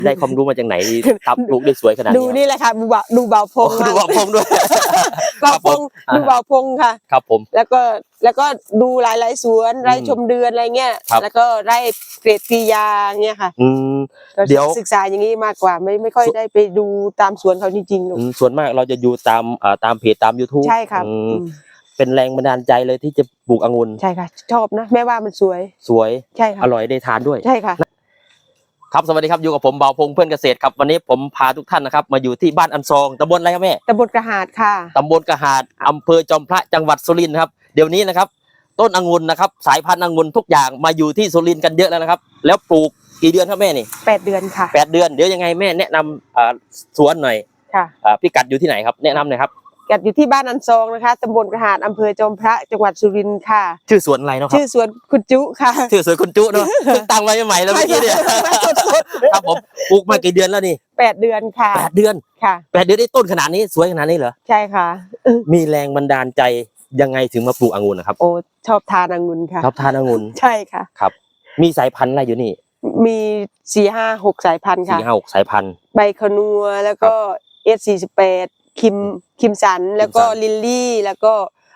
ได้ความรู้มาจากไหนตับปลูกได้สวยขนาดนี้ดูนี่แหละค่ะดูเบาพงดูเบาพงด้วยเบาพงดูเบาพงค่ะครับผมแล้วก็ดูหลายสวนไร่ชมเดือนอะไรเงี้ยแล้วก็ไร่เกรดปียาเงี้ยค่ะเดี๋ยวศึกษาอย่างนี้มากกว่าไม่ค่อยได้ไปดูตามสวนเขาจริงๆส่วนมากเราจะอยู่ตามเพจตาม YouTube ใช่ค่ะเป็นแรงบันดาลใจเลยที่จะปลูกองุ่นใช่ค่ะชอบนะแม่ว่ามันสวยใช่ค่ะอร่อยได้ทานด้วยใช่ค่ะครับสวัสดีครับอยู่กับผมเบาพงเพื่อนเกษตรครับวันนี้ผมพาทุกท่านนะครับมาอยู่ที่บ้านอันซองตำบลอะไรครับแม่ตำบลกระหาดค่ะตำบลกระหาดอำเภอจอมพระจังหวัดสุรินทร์ครับเดี๋ยวนี้นะครับต้นองุ่นนะครับสายพันธุ์องุ่นทุกอย่างมาอยู่ที่สุรินทร์กันเยอะแล้วนะครับแล้วปลูกกี่เดือนครับแม่นี่ 8 เดือนค่ะ 8 เดือนเดี๋ยวยังไงแม่แนะนำสวนหน่อยค่ะพี่กัดอยู่ที่ไหนครับแนะนำหน่อยครับกัดอยู่ที่บ้านอันซองนะคะตำบลกระหาดอำเภอจอมพระจังหวัดสุรินทร์ค่ะชื่อสวนอะไรเนาะครับชื่อสวนคุณจุค่ะชื่อสวนคุณจุเนาะตั้งไว้ใหม่แล้วเมื่อกี้เนี่ยครับผมปลูกมากี่เดือนแล้วนี่ 8 เดือนค่ะ 8 เดือนค่ะ 8 เดือนได้ต้นขนาดนี้สวยขนาดนี้เหรอใช่ค่ะมีแรงบันดาลใจยังไงถึงมาปลูกองุ่นนะครับโอ้ชอบทานองุ่นค่ะชอบทานองุ่นใช่ค่ะครับมีสายพันธุ์อะไรอยู่นี่มี4-5-6 สายพันธุ์ค่ะ 4-5-6 สายพันธุ์ใบขนัวแล้วก็S48คิมสันแล้วก็ลิลลี่แล้วก็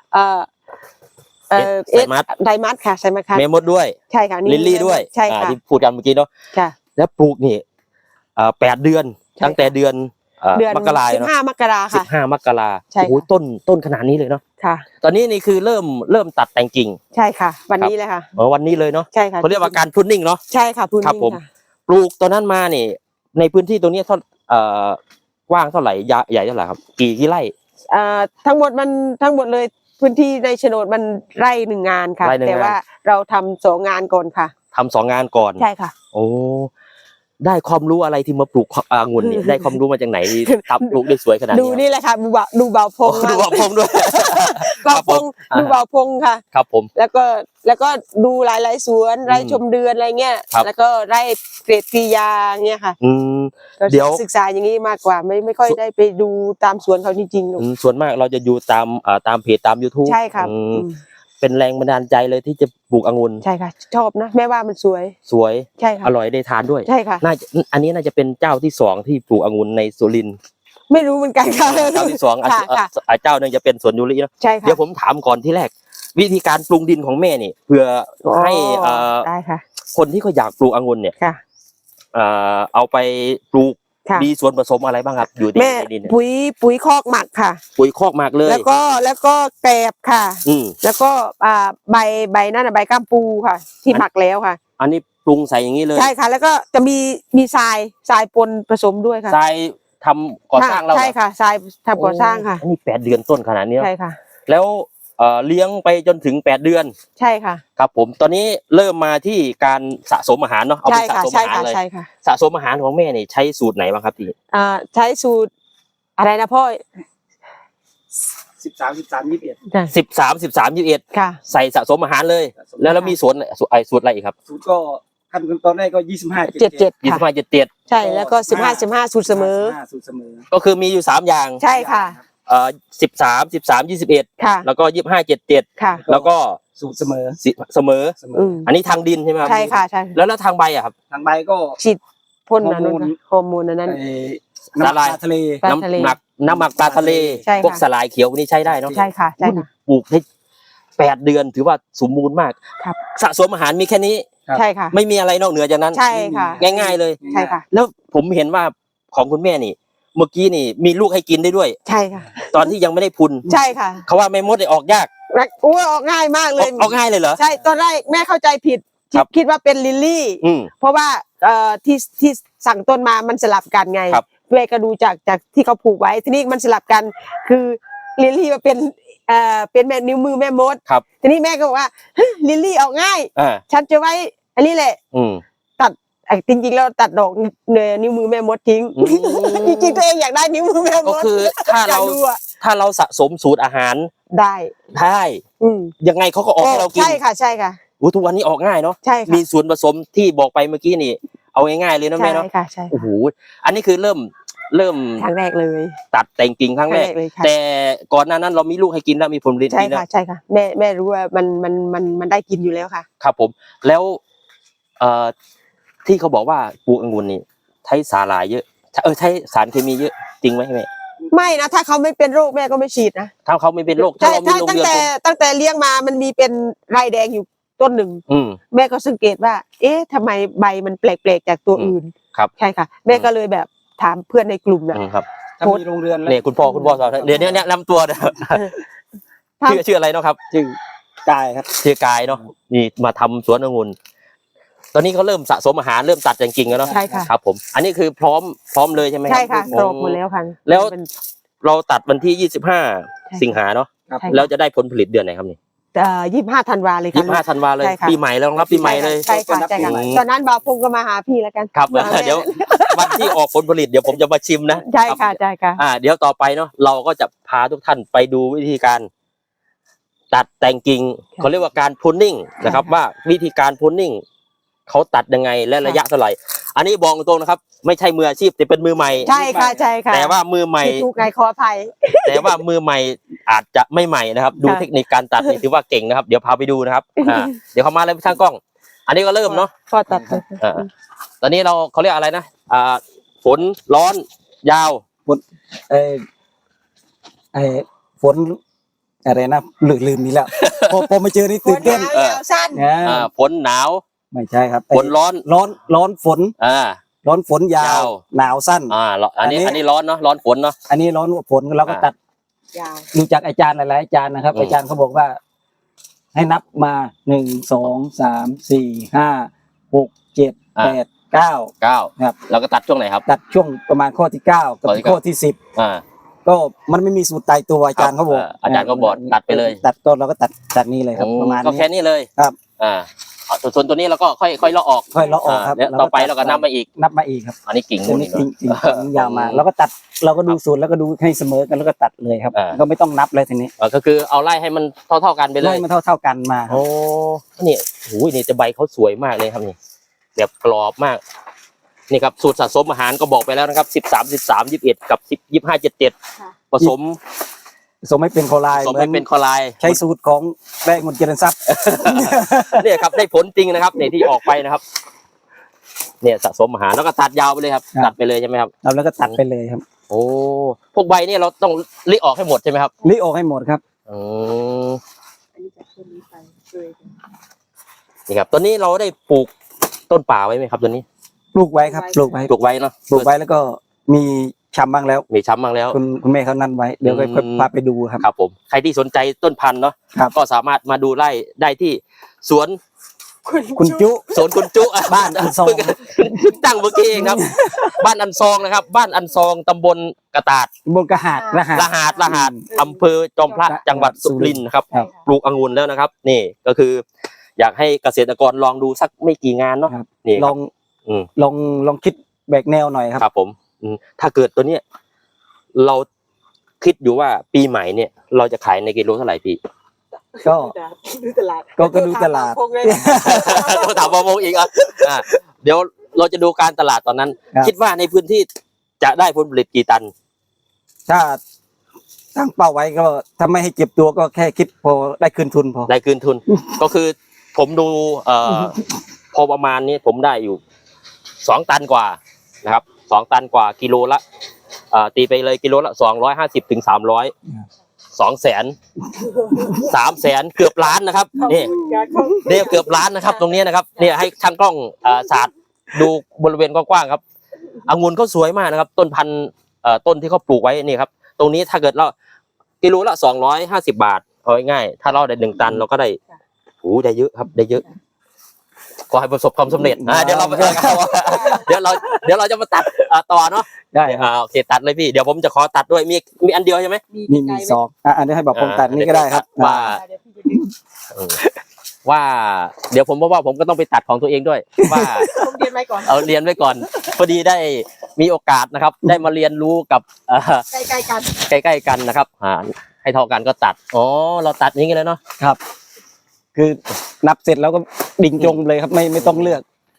ไดมัสค่ะใช่ไหมคะเมมดด้วยใช่ค่ะลิลลี่ด้วยใช่ค่ะที่พูดกันเมื่อกี้เนาะค่ะแล้วปลูกนี่8 เดือนตั้งแต่เดือนมกราคม 15 มกราค่ะ 15 มกราโอ้โหต้นขนาดนี้เลยเนาะค่ะตอนนี้นี่คือเริ่มตัดแต่งกิ่งใช่ค่ะวันนี้เลยค่ะวันนี้เลยเนาะใช่ค่ะเขาเรียกว่าการพรุนนิ่งเนาะใช่ค่ะพรุนนิ่งผมปลูกตอนนั้นมานี่ในพื้นที่ตรงนี้กว้างเท่าไหร่ใหญ่เท่าไหร่ครับกี่ไร่ทั้งหมดเลยพื้นที่ในโฉนดมันไร่1 งานค่ะแต่ว่าเราทำ2 งานก่อนค่ะทำ2 งานก่อนใช่ค่ะโอ้ได้ความรู้อะไรที่มาปลูกองุ่นเนี่ยได้ความรู้มาจากไหนตับปลูกได้สวยขนาดนี้ดูนี่แหละค่ะดูเบาพงดูเบาพงด้วยเบาพงดูเบาพงค่ะครับผมแล้วก็ดูหลายสวนไร่ชมเดือนอะไรเงี้ยแล้วก็ไร่เกรดปียาเงี้ยค่ะเดี๋ยวศึกษาอย่างนี้มากกว่าไม่ค่อยได้ไปดูตามสวนเขาจริงๆส่วนมากเราจะอยู่ตามเพจตาม YouTube ใช่ค่ะเป็นแรงบันดาลใจเลยที่จะปลูกองุ่นใช่ค่ะชอบนะแม่ว่ามันสวยใช่ค่ะอร่อยได้ทานด้วยใช่ค่ะอันนี้น่าจะเป็นเจ้าที่2ที่ปลูกองุ่นในสุรินทร์ไม่รู้เหมือนกันค่ะเจ้าที่2เจ้าหนึ่งจะเป็นสวนยูรินะใช่ค่ะเดี๋ยวผมถามก่อนที่แรกวิธีการปรุงดินของแม่นี่เพื่อให้ได้ค่ะคนที่เขาอยากปลูกองุ่นเนี่ยเอาไปปลูกมีส่วนผสมอะไรบ้างครับอยู่ในดินปุ๋ยคอกหมักค่ะปุ๋ยคอกหมักเลยแล้วก็แกลบค่ะแล้วก็ใบนั่นใบก้ามปูค่ะที่หมักแล้วค่ะอันนี้ปรุงใส่อย่างนี้เลยใช่ค่ะแล้วก็จะมีทรายปนผสมด้วยค่ะทรายทำก่อสร้างเราใช่ค่ะทรายทำก่อสร้างค่ะอันนี้8 เดือนต้นขนาดนี้ใช่ค่ะแล้วเลี้ยงไปจนถึง8 เดือนใช่ค่ะครับผมตอนนี้เริ่มมาที่การสะสมอาหารเนาะเอาไปสะสมอาหารเลยสะสมอาหารของแม่นี่ใช้สูตรไหนบ้างครับพี่ใช้สูตรอะไรนะพ่อ 13-13-21 ค่ะใส่สะสมอาหารเลยแล้วมีสูตรอะไรอีกครับสูตรก็ขั้นตอนแรกก็ 25-77ใช่แล้วก็15-15สูตรเสมอก็คือมีอยู่3 อย่างใช่ค่ะ 13-13-21 ค่ะแล้วก็25-77 ค่ะแล้วก็สูตรเสมออันนี้ทางดินใช่ไหมครับใช่ค่ะใช่แล้วทางใบอะครับทางใบก็ฉีดพ่นฮอร์โมนนั้นน้ำหมักปลาทะเลพวกสลายเขียวนี่ใช้ได้เนาะใช่ค่ะใช่ค่ะปลูกได้8 เดือนถือว่าสมบูรณ์มากครับสะสมอาหารมีแค่นี้ใช่ค่ะไม่มีอะไรนอกเหนือจากนั้นใช่ค่ะง่ายๆเลยใช่ค่ะแล้วผมเห็นว่าของคุณแม่นี่เมื่อกี้นี่มีลูกให้กินได้ด้วยใช่ค่ะตอนที่ยังไม่ได้พุนใช่ค่ะเขาว่าแม่มดได้ออกยากโอ้ออกง่ายมากเลยออกง่ายเลยเหรอใช่ตอนแรกแม่เข้าใจผิดคิดว่าเป็นลิลลี่เพราะว่าที่สั่งต้นมามันสลับกันไงแม่ก็ดูจากที่เขาผูกไว้ทีนี้มันสลับกันคือลิลลี่มาเป็นแม่นิ้วมือแม่มดทีนี้แม่ก็บอกว่าลิลลี่ออกง่ายฉันจะไว้อันนี้แหละตัดจริงๆแล้วตัดดอกนิ้วมือแม่มดทิ้งจริงๆตัวเองอยากได้นิ้วมือแม่มดก็คือถ้าเราสะสมสูตรอาหารได้ยังไงเขาก็ออกให้เรากินใช่ค่ะใช่ค่ะทุกวันนี้ออกง่ายเนาะมีส่วนผสมที่บอกไปเมื่อกี้นี่เอาง่ายๆเลยนะแม่เนาะโอ้โหอันนี้คือเริ่มครั้งแรกเลยตัดแต่งกิ่งครั้งแรกแต่ก่อนหน้านั้นเรามีลูกให้กินแล้วมีผลผลิตใช่ค่ะใช่ค่ะแม่รู้ว่ามันได้กินอยู่แล้วค่ะครับผมแล้วที่เขาบอกว่าปลูกองุ่นนี่ใช้สาหร่ายเยอะใช้สารเคมีเยอะจริงไหมแม่ไม่นะถ้าเขาไม่เป็นโรคแม่ก็ไม่ฉีดนะถ้าเขาไม่เป็นโรคถ้าใช่เรามีถ้าโรงตั้งเรือนแต่ตั้งแต่เลี้ยงมามันมีเป็นไรแดงอยู่ต้นหนึ่งอืมแม่ก็สังเกตว่า เอ๊ะทำไมใบมันแปลกๆจากตัวอื่นครับใช่ค่ะ แม่ก็เลยแบบถามเพื่อนในกลุ่มนะครับถ้ามีโรงเรือนแล้วเนี่ยคุณพ่อสอนเดี๋ยวนี้แนะนำตัวนะครับชื่ออะไรเนาะครับชื่อกายครับชื่อกายเนาะนี่มาทำสวนองุ่นตอนนี้เขาเริ่มสะสมอาหารเริ่มตัดจริงๆแล้วเนาะใช่ค่ะครับผมอันนี้คือพร้อมเลยใช่ไหมรับใช่ค่ะอืกรอบหมดแล้วค่ะแล้วเป็นเราตัดวันที่ 25 ค่ะสิงหาเนาะครับใช่แล้วจะได้ผลผลิตเดือนไหนครับนี่ 25 ธันวาเลยค่ะ 25 ธันวาเลยใช่ค่ะปีใหม่แล้วรับปีใหม่เลยใช่ค่ะใช่ค่ะอืมตอนนั้นบ่าวพงก็มาหาพี่แล้วกันครับมาแม่เดี๋ยววันที่ออกผลผลิตเดี๋ยวผมจะมาชิมนะใช่ค่ะใช่ค่ะเดี๋ยวต่อไปเนาะเราก็จะพาทุกท่านไปดูวิธีการ ตัดแต่งกิ่งค่ะเขาเรียกว่าการพูนนิ่งนะครับค่ะว่าวิธีการพูนนิ่งเขาตัดยังไงและระยะเท่าไหร่ อันนี้บอกตรงนะครับ ไม่ใช่มืออาชีพแต่เป็นมือใหม่ใช่ค่ะใช่ค่ะแต่ว่ามือใหม่ที่ถูกไงขออภัยแต่ว่ามือใหม่อาจจะไม่ใหม่นะครับ ดูค่ะเทคนิคการตัดนี่ถือว่าเก่งนะครับ เดี๋ยวพาไปดูนะครับเดี๋ยวเขามาเลยช่างกล้อง อันนี้ก็เริ่มเนาะพอตัดอ่าตอนนี้เขาเรียกอะไรนะฝนร้อนยาวเออไอฝนอะไรนะลืมนี่แล้ว พอมาเจอนี่ตื่นเต้นยาวสั้นนะฝนหนาวไม่ใช่ครับฝนร้อนร้อนฝนอ่าร้อนฝนยายาว วหนาวสั้นอันนี้ร้อนเนาะร้อนฝนเนาะอันนี้ร้อนฝนเราก็ตัดยาวดูจากอาจารย์หลายๆอาจารย์นะครับอืมอาจารย์เขาบอกว่า ให้นับมา1 2 3 4 5 6 7 8 9 9 ครับเราก็ตัดช่วงไหนครับตัดช่วงประมาณข้อที่9กับข้อที่ข้อที่อ่า 10 ก็มันไม่มีสูตรตายตัวอาจารย์เขาบอกอาจารย์ก็บอกตัดไปเลยตัดต้นเราก็ตัดนี้เลยครับประมาณก็นี้แค่นี้เลยครับส่วนตัวนี้เราก็ค่อยเลาะออกค่อยเลาะออกครับแล้วต่อไปเราก็นับมาอีกนับมาอีกครับอันนี้กิ่งอันมูลนี้นี่จริงเนาะจริงยาวมาแล้วก็ตัดเราก็ดูสูตรแล้วก็ดูให้เสมอกันแล้วก็ตัดเลยครับอ่าก็ไม่ต้องนับเลยทีนี้ก็คือเอาไล่ให้มันเท่ากันไปเลไล่ยมันเท่ากันมาครับโอ้นี่โอ้ยนี่จะใบเขาสวยมากเลยครับนี่แบบกรอบมากนี่ครับสูตรสะสมอาหารก็บอกไปแล้วนะครับ13 21กับ25 77ผสมสมให้เป็นโคลายผสมให้เป็นคอไลน์ใช้สูตรของแป้งเงินเจริญทรัพย์เนี่ยครับได้ผลจริงนะครับเนี่ยที่ออกไปนะครับ เนี่ยสะสมอาหารแล้วก็ตัดยาวไปเลยครับครับตัดไปเลยใช่ไหมครับเราแล้วก็ตัดไปเลยครับโอ้พวกใบเนี่ยเราต้องริออกให้หมดใช่ไหมครับรีออกให้หมดครับอืมนี่ครับตอนนี้เราได้ปลูกต้นป่าไว้ไหมครับตัวนี้ปลูกไว้ครับปลูกไว้ปลูกไว้เนาะปลูกไว้แล้วก็มีชำบ้างแล้วมีช้ำบ้างแล้วคุณแม่เขานั่นไว้เดี๋ยวค่อยอืมพาไปดูครับครับผมใครที่สนใจต้นพันธุ์เนาะครับก็สามารถมาดูไร่ได้ที่สวนคุณจุสวนคุณจุบ้านอันซองเพิ่งตั้งเมื่อกี้เองครับ บ้านอันซองนะครับ บ้านอันซองตำบลกระตาดบนกระหาดรหัสรหัสอำเภอจอมพระจังหวัดสุรินทร์นะครับครับปลูกองุ่นแล้วนะครับ นี่ก็คือ อยากให้เกษตรกรลองดูสักไม่กี่งานเนาะครับนี่ลครัอบ งอืมลองคิดแบกแนวหน่อยครับครับผมถ้าเกิดตัวเนี้ยเราคิดอยู่ว่าปีใหม่เนี่ย เราจะขายในกิโลเท่าไหร่พี่ก็ดูตลาดก็ดูตลาดต้องถามประมงอีกเดี๋ยวเราจะดูการตลาดตอนนั้นครับคิดว่าในพื้นที่จะได้ผลผลิตกี่ตันถ้าตั้งเป้าไว้ก็ถ้าไม่ให้เก็บตัวก็แค่คิดพอได้คืนทุนพอได้คืนทุน ก็คือผมดูพอประมาณนี้ผมได้อยู่2 ตันกว่านะครับ2 ตันกว่ากิโลละตีไปเลยกิโลละ250 ถึง 300 200,000 300,000 เกือบล้านนะครับนี่เนี่ยเกือบล้านนะครับ ตรงนี้นะครับเนี่ยให้ช่างกล้องสาดดูบริเวณกว้างๆครับองุ่นเขาสวยมากนะครับ ต้นพันธุ์ต้นที่เขาปลูกไว้นี่ครับ ตรงนี้ถ้าเกิดเรากิโลละ250 บาทเอาง่ายๆถ้าเราได้1 ตันเราก็ได้ได้เยอะครับได้เยอะขอให้ประสบความสำเร็จเดี๋ยวเราเดี๋ยวเราจะมาตัดต่อเนาะได้ครับโอเคตัดเลยพี่เดี๋ยวผมจะขอตัดด้วยมีอันเดียวใช่ไหมมีสองอันนี้ให้บอกผมตัดนี่ก็ได้ครับว่าว่าเดี๋ยวผมว่าผมก็ต้องไปตัดของตัวเองด้วย ว่าผมเรียนไว้ก่อนเอาเรียนไว้ก่อนพอดีได้มีโอกาสนะครับ ได้มาเรียนรู้กับใกล้ๆกันใกล้ๆกันนะครับให้เท่ากันก็ตัดอ๋อเราตัดอย่างนี้เลยเนาะครับ คือนับเสร็จแล้วก็ดิ่งจงเลยครับไม่ต้องเลือก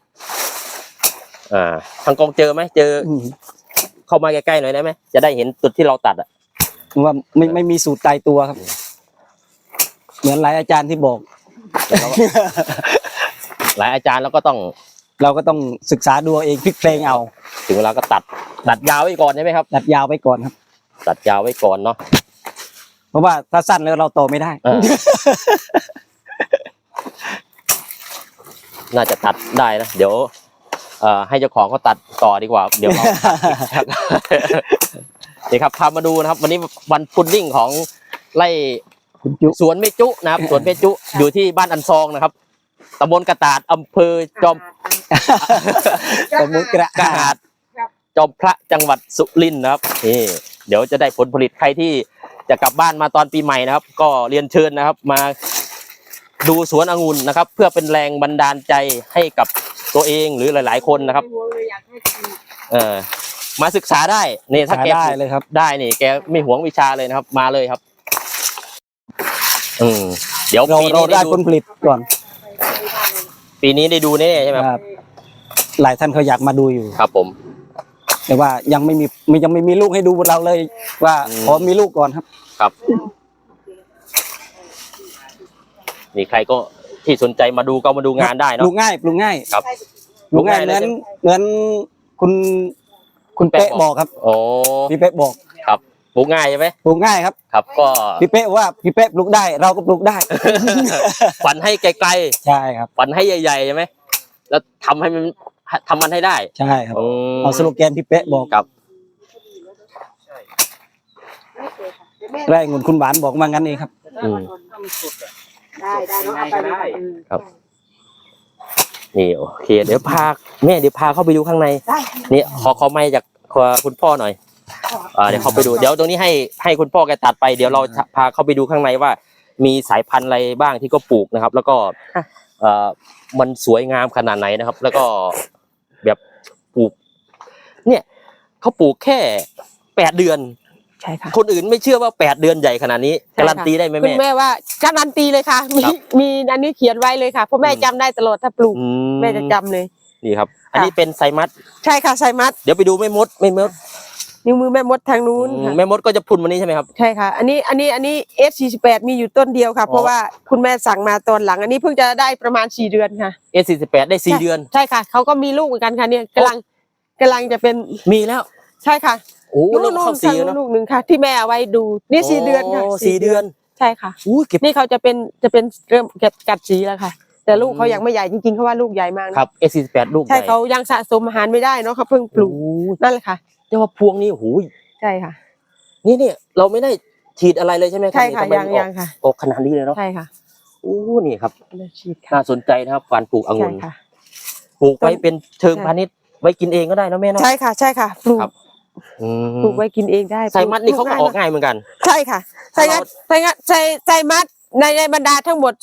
ทางกองเจอไหมเจอเข้ามาใกล้ๆหน่อยได้ไหมจะได้เห็นจุดที่เราตัดอ่ะว่าไม่มีสูตรตายตัวครับ เหมือนหลายอาจารย์ที่บอกหลายอาจารย์แล้วก็ต้องเราก็ต้องศึกษาดูเองพลิกเพลงเอาถึงเวลาก็ตัดยาวไว้ก่อนใช่ไหมครับตัดยาวไปก่อนครับตัดยาวไว้ก่อนเนาะเพราะว่าถ้าสั้นแล้วเราโตไม่ได้อ่า น่าจะตัดได้นะเดี๋ยวให้เจ้าของเขาตัดต่อดีกว่า เดี๋ยวเราตัดนี่ครับพามาดูนะครับ วันนี้วันพุดดิ้งของไร่คุณจุสวนเมจุนะครับสวนเมจุอยู่ที่บ้านอันซองนะครับตำบลกระตาดอำเภอจอมสมมุติกระกระหาดจอมพระจังหวัดสุรินทร์นะครับนี่เดี๋ยวจะได้ผลผลิตใครที่จะกลับบ้านมาตอนปีใหม่นะครับ ก็เรียนเชิญนะครับ มาดูสวนองุ่นนะครับ เพื่อเป็นแรงบันดาลใจให้กับตัวเองหรือหลาย ๆ คนนะครับมาศึกษาได้นี่ถ้าแกได้เลยครับได้นี่แกไม่หวงวิชาเลยนะครับ มาเลยครับเดี๋ยวเราปีเรานี้ได้ได้ผลผลิตก่อนปีนี้ได้ดูแน่ใช่ไหมครับครับหลายท่านเขาอยากมาดูอยู่ครับผมแต่ว่ายังไม่มีลูกให้ดูเราเลย ว่าขอมีลูกก่อนครับครับมีใครก็ที่สนใจมาดูก็มาดูงานได้ปเนาะลูกง่ายปลูกง่ายครับปลูกง่ายปลูกเหง่ายมือนคุณเป๊ะบอกครับโอ้พี่เป๊ะบอกครับปลูกง่ายใช่ไหมปลูกง่ายครับครับ ก็พี่เป๊ะว่าพี่เป๊ะปลูกได้ เราก็ปลูกได้ฝันให้ไกลใช่ครับๆฝันให้ใหญ่ๆใช่ไหมแล้วทำมันให้ได้ใช่ครับอืมเอาสโลแกนพี่เป๊ะบอกครับไร่องุ่นคุณหวานบอกมางั้นเองครับอืมได้เนาะเอาไปเลยครับ นี่โอเค เดี๋ยวพาเข้าไปดูข้างในได้นี่ขอไมค์จากคุณพ่อหน่อยเดี๋ยวเขาไปดูเดี๋ยวตรงนี้ให้คุณพ่อแกตัดไปเดี๋ยวเราพาเข้าไปดูข้างในว่า มีสายพันธุ์อะไรบ้างที่ก็ปลูกนะครับ แล้วก็มันสวยงามขนาดไหนนะครับ แล้วก็แบบปลูก เนี่ยเขาปลูกแค่8 เดือนใช่ค่ะคนอื่นไม่เชื่อว่า8 เดือนใหญ่ขนาดนี้การันตีได้ไหมคุณแม่แม่ว่าการันตีเลยค่ะครับมีอันนี้เขียนไว้เลยค่ะเพราะแม่จำได้ตลอดถ้าปลูกอืแม่จะจำเลยนี่ครับ อันนี้เป็นไซมัสใช่ค่ะไซมัสเดี๋ยวไปดูแม่มดนิ้วมือแม่มดทางนู้นค่ะแม่มดก็จะพรุนวันนี้ใช่ไหมครับใช่ค่ะ อันนี้S48มีอยู่ต้นเดียวค่ะ เพราะว่าคุณแม่สั่งมาตอนหลัง อันนี้เพิ่งจะได้ประมาณ4 เดือนค่ะ S48 ได้4 เดือนใช่ค่ะเขาก็มีลูกเหมือนกันค่ะเนี่ยกำลังจะเป็นมีแล้วใช่ค่ะโอ้เริ่มเข้าทา 4 งแล้วลูกหนึ่งค่ะ ที่แม่เอาไว้ดูนี่4 เดือนค่ะ 4 เดือนใช่ค่ะอู้เก็บนี่เขาจะเป็นเริ่มกัดสีแล้วค่ะ แต่ลูกเขายังไม่ใหญ่จริงๆเขาว่าลูกใหญ่มากนะครับ S48 ลูกใช่เขายังสะสมอาหารไม่ได้เนาะเขาเพิ่งปลูกโอ้นั่นแหละค่ะเรียกว่าพวงนี้โอ้โหใช่ค่ะนี่เราไม่ได้ฉีดอะไรเลยใช่ไหมรับใช่ค่ะทำไมยังมันยังค่ะออกขนาดนี้เลยเนาะใช่ค่ะโอ้นี่ครับฉีดค่ะน่าสนใจนะครับการปลูกองุ่ใช่นค่ะปลูกไว้เป็นเชิงใช่พาณิชย์ไว้กินเองก็ได้นะแม่เนาะใช่ค่ะใช่ค่ะปลูกครับ อืมปลูกไว้กินเองได้ไซมัสนี่เขาก็ออกง่ายง่ายเหมือนกันใช่ค่ะไซมัสในบรรดาทั้งหมด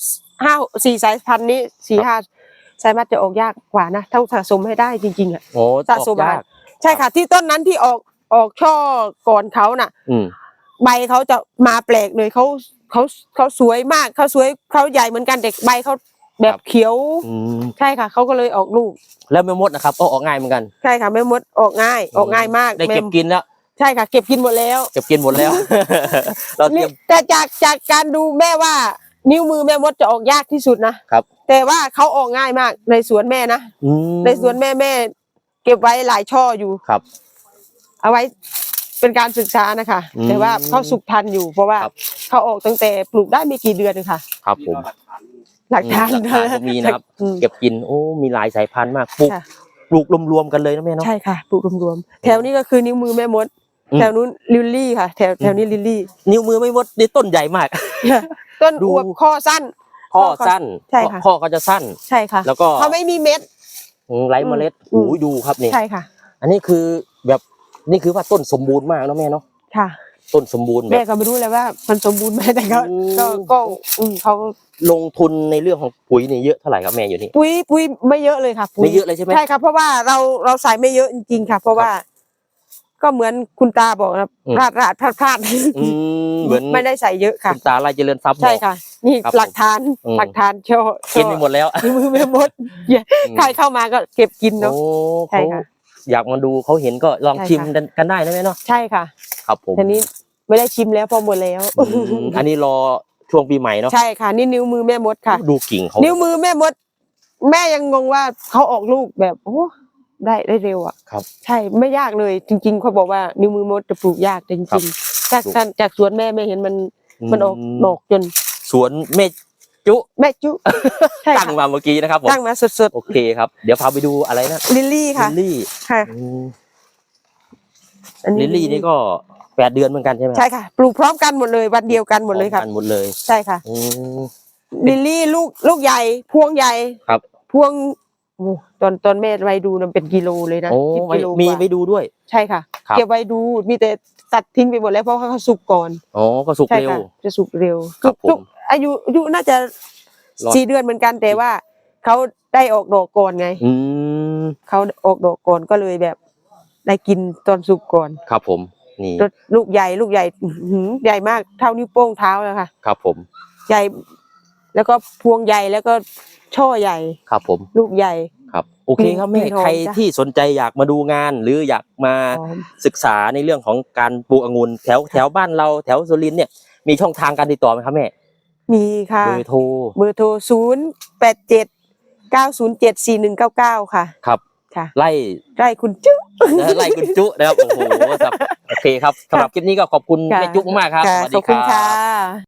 4 สายพันธุ์นี้4-5ไซมัสจะออกยากกว่านะต้องสะสมให้ได้จริงๆอ่ะโอ้สะสมออกยากใช่ค่ะ ที่ต้นนั้นที่ออกช่อก่อนเขาน่ะอืมใบเขาจะมาแปลกเลยเขาสวยมากเขาสวยเขาใหญ่เหมือนกันเด็กใบเขาแบบเขียวอืมใช่ค่ะเขาก็เลยออกลูกแล้วแม่มดนะครับก็ออกง่ายเหมือนกันใช่ค่ะแม่มดออกง่ายมากได้เก็บกินแล้วใช่ค่ะเก็บกินหมดแล้วเก็บกินหมดแล้ว เราเตรีนี่ยมแต่จากการดูแม่ว่านิ้วมือแม่มดจะออกยากที่สุดนะครับ แต่ว่าเขาออกง่ายมากในสวนแม่นะอืมในสวนแม่เก็บไว้หลายช่ออยู่ครับเอาไว้เป็นการศึกษานะคะอืมแต่ว่าเขาสุกทันอยู่ เพราะว่าครับเขาออกตั้งแต่ปลูกได้ไม่กี่เดือนเองค่ะครับผมหลักฐานหลักฐานก็มีนะครับอืมเก็บกินโอ้มีหลายสายพันธุ์มากปลูกค่ะรวมๆกันเลยนะแม่เนาะใช่ค่ะปลูกรวมๆแถวนี้ก็คือนิ้วมือแม่มดอืมแถวนู้นลิลลี่ค่ะ แถวนี้ลิลลี่นิ้วมือไม่มดนี่ต้นใหญ่มากต้นดูอวบข้อสั้นข้อสั้นใช่ค่ะข้อก็จะสั้นใช่ค่ะแล้วก็เขาไม่มีเม็ดไร้เมล็ดอืมโอ้ยดูครับนี่ใช่ค่ะอันนี้คือแบบนี่คือว่าต้นสมบูรณ์มากเนาะแม่เนาะค่ะต้นสมบูรณ์แบแม่บก็ไม่รู้เลยว่ามันสมบูรณ์ไหมแต่ก็อืมก็เขาลงทุนในเรื่องของปุ๋ยนี่เยอะเท่าไหร่ครับแม่อยู่นี่ปุ๋ยไม่เยอะเลยค่ะปุ๋ไม่เยอะเลยใช่ไหมใช่ค่ะเพราะว่าเราใส่ไม่เยอะจริงๆค่ะ เพราะว่า ก็เหมือนคุณตาบอกนะอืมพลาดอืมเหมือนไม่ได้ใส่เยอะค่ะคุณตาลายเจริญทรัพย์บใช่อกค่ะ นี่ครับหลักฐานอืมหลักฐานโชว์กินไปหมดแล้วนิ้วมือแม่มดใครเข้ามาก็เก็บกินเนาะโอ้ใช่เขาค่ะอยากมาดูเขาเห็นก็ลองใช่ชิมค่ะกันได้นะแม่เนาะใช่ค่ะครับผมทีนี้ไม่ได้ชิมแล้วเพอหมดแล้วอืมอันนี้รอช่วงปีใหม่เนาะใช่ค่ะ นี่นิ้วมือแม่มดค่ะดูกิ่งเขานิ้วมือแม่มดแม่ยังงงว่าเขาออกลูกแบบโอ้ได้เร็วอ่ะครับใช่ไม่ยากเลยจริง ๆเขาบอกว่านิ้วมือมดจะปลูกยากแต่จครัริบงๆจากสวนแม่เห็นมันออกดอกจนสวนเมจุแม่จุใช่ตั้งค่ะมาเมื่อกี้นะครับผมตั้งมาสดโอเคครับเดี๋ยวพาไปดูอะไรนะๆลิลลี่ลิค่ะลลี่ค่ะอืมอันลิลลี่นี่ก็8 เดือนเหมือนกันใช่ไหมใช่ค่ะ ปลูกพร้อมกันหมดเลยวันเดียวกันหมดเลยพร้ค่ะอกันหมดเลยใช่ค่ะอืมลิลลี่ลูกใหญ่พวงใหญ่ครับพวงโอ้ตอนแม่ไปดูมันเป็นกิโลเลยนะโอ้ 10กิโลมีกว่าไปดูด้วยใช่ค่ะครับเก็บไว้ดูมีแต่ตัดทิ้งไปหมดแล้วเพราะเขาสุกก่อนอ๋อก็สุกใช่เร็วค่ะจะสุกเร็วครับผมสุกอายุน่าจะรอด 4 เดือนเหมือนกันแต่ว่าเขาได้ออกดอกก่อนไงอืมเขาออกดอกก่อนก็เลยแบบ ได้กินตอนสุกก่อนครับผมนี่ลูกใหญ่อื้อหือใหญ่มากเท่านิ้วโป้งเท้าแล้วค่ะครับผมใหญ่แล้วก็พวงใหญ่แล้วก็ช่อใหญ่ครับผมลูกใหญ่ครับโอเคครับแม่กลิ่นหอมใครจ้ะที่สนใจอยากมาดูงาน หรืออยากมาหอมศึกษาในเรื่องของการปลูกองุ่นแถวบ้านเราแถวสุรินทร์เนี่ยมีช่องทางการติดต่อไหมครับแม่มีค่ะเบอร์โทรเบอร์โทร087 907 4199ค่ะครับค่ะไล่ได้คุณจุ๊ไล่คุณจุนะครับโอ้โหครับโอเคครับสำหรับคลิปนี้ก็ขอบคุณค่ะแม่จุมากครับค่ะสวัสขดีอบคุณรัค่ะบ